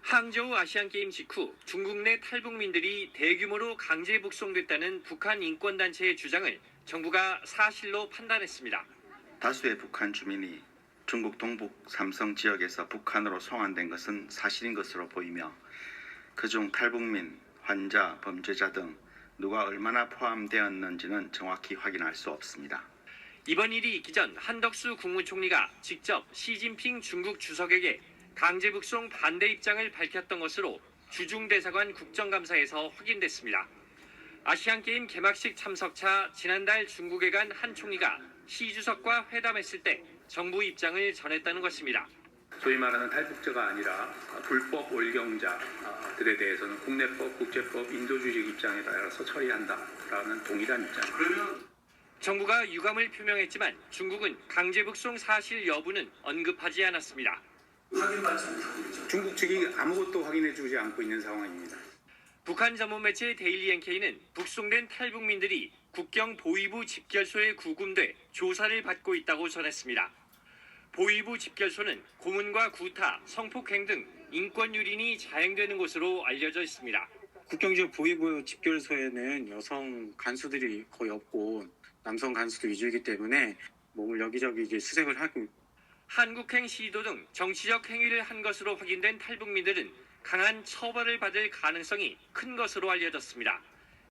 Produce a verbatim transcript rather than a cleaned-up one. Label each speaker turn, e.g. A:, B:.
A: 항저우 아시안게임 직후 중국 내 탈북민들이 대규모로 강제 북송됐다는 북한 인권단체의 주장을 정부가 사실로 판단했습니다.
B: 다수의 북한 주민이 중국 동북 삼성 지역에서 북한으로 송환된 것은 사실인 것으로 보이며 그중 탈북민, 환자, 범죄자 등 누가 얼마나 포함되었는지는 정확히 확인할 수 없습니다.
A: 이번 일이 있기 전 한덕수 국무총리가 직접 시진핑 중국 주석에게 강제 북송 반대 입장을 밝혔던 것으로 주중대사관 국정감사에서 확인됐습니다. 아시안게임 개막식 참석차 지난달 중국에 간 한 총리가 시 주석과 회담했을 때 정부 입장을 전했다는 것입니다.
C: 소위 말하는 탈북자가 아니라 불법 월경자들에 대해서는 국내법, 국제법, 인도주의적 입장에 따라서 처리한다라는 동일한 입장. 그러면
A: 정부가 유감을 표명했지만 중국은 강제 북송 사실 여부는 언급하지 않았습니다.
C: 중국 측이 아무것도 확인해주지 않고 있는 상황입니다.
A: 북한 전문 매체 데일리 엔케이는 북송된 탈북민들이 국경 보위부 집결소에 구금돼 조사를 받고 있다고 전했습니다. 보위부 집결소는 고문과 구타, 성폭행 등 인권 유린이 자행되는 곳으로 알려져 있습니다.
D: 국경 지역 보위부 집결소에는 여성 간수들이 거의 없고 남성 간수도 위주이기 때문에 몸을 여기저기 이제 수색을 하고
A: 한국행 시도 등 정치적 행위를 한 것으로 확인된 탈북민들은 강한 처벌을 받을 가능성이 큰 것으로 알려졌습니다.